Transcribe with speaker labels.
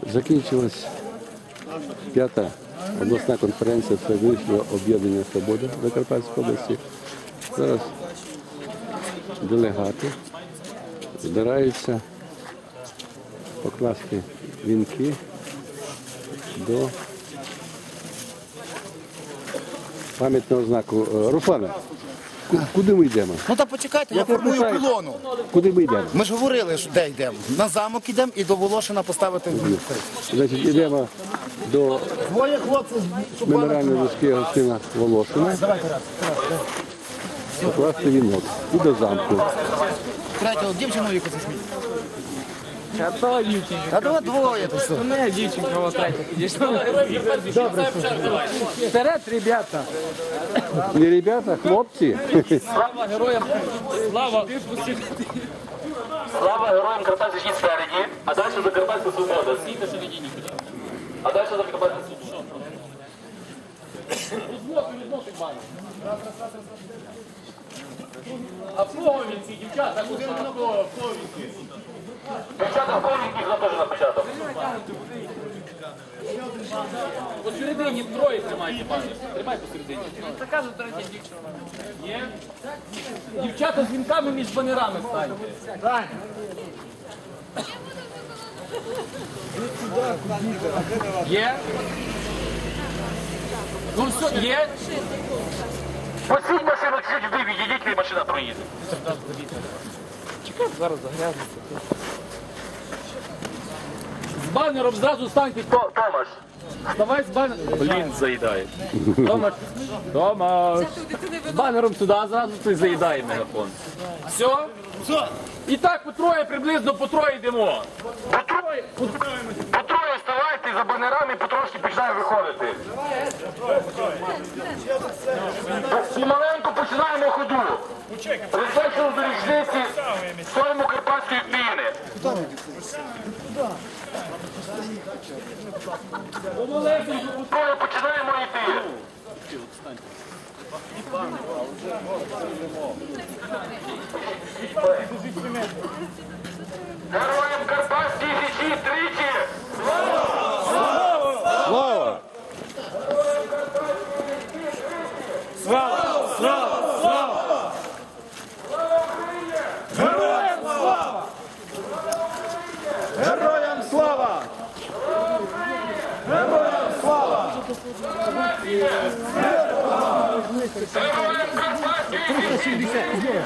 Speaker 1: Закінчилась 5-та обласна конференція Всевишнього об'єднання «Свобода» Закарпатської області. Зараз делегати збираються покласти вінки до пам'ятного знаку. Руслане, куди ми йдемо?
Speaker 2: Ну так почекайте, я формую колону.
Speaker 1: Куди ми йдемо?
Speaker 2: Ми ж говорили, що де йдемо. На замок йдемо і до Волошина поставити.
Speaker 1: Значить, йдемо до
Speaker 2: Двоє хлопців.
Speaker 1: меморіальної дошки Гостина Волошина. Покласти вінок. І до замку.
Speaker 2: Третього дівчину яку засміть.
Speaker 3: А то дівчинка.
Speaker 2: Та давай двоє то все.
Speaker 3: Не дівчинка, ось третя підійшла. Добре, вперед, ребята.
Speaker 1: Не ребята, хлопці.
Speaker 3: Слава героям. Слава.
Speaker 4: Слава героям Карпатської йдіть спереді, а далі Закарпатська свобода. Стійте середині нікуди. А далі Закарпатська свобода. А в кого він ці дівчата? Дівчата в кого він теж на початок? Посередині троє тримайте, пане. Тримай посередині.
Speaker 3: Така ж третя дівчина.
Speaker 4: Є? Дівчата з вінками між банерами станьте. Є? Ну все, є? Посіть машину чуть вбив, відійдіть, і машина проїде.
Speaker 3: Чекай, зараз загрязнеться.
Speaker 4: З банером зразу станьте. Томаш. Вставай з банером. Блін, заїдає. Томаш. Томаш. З банером сюди, а зразу ти заїдає мегафон. Все? Все. І так по троє, приблизно по троє йдемо. По троє вставайте за банерами, потрошки починаємо виходити. Помаленьку починаємо ходу. Присвячено до річниці стоїмо Карпатської піни. Помаленьку по троє починаємо йти. Героям Карпатської Січі тричі!
Speaker 1: Слава!
Speaker 2: Слава! Слава! Слава! Героям слава! Героям слава! Героям слава!
Speaker 4: Героям Карпатської Січі!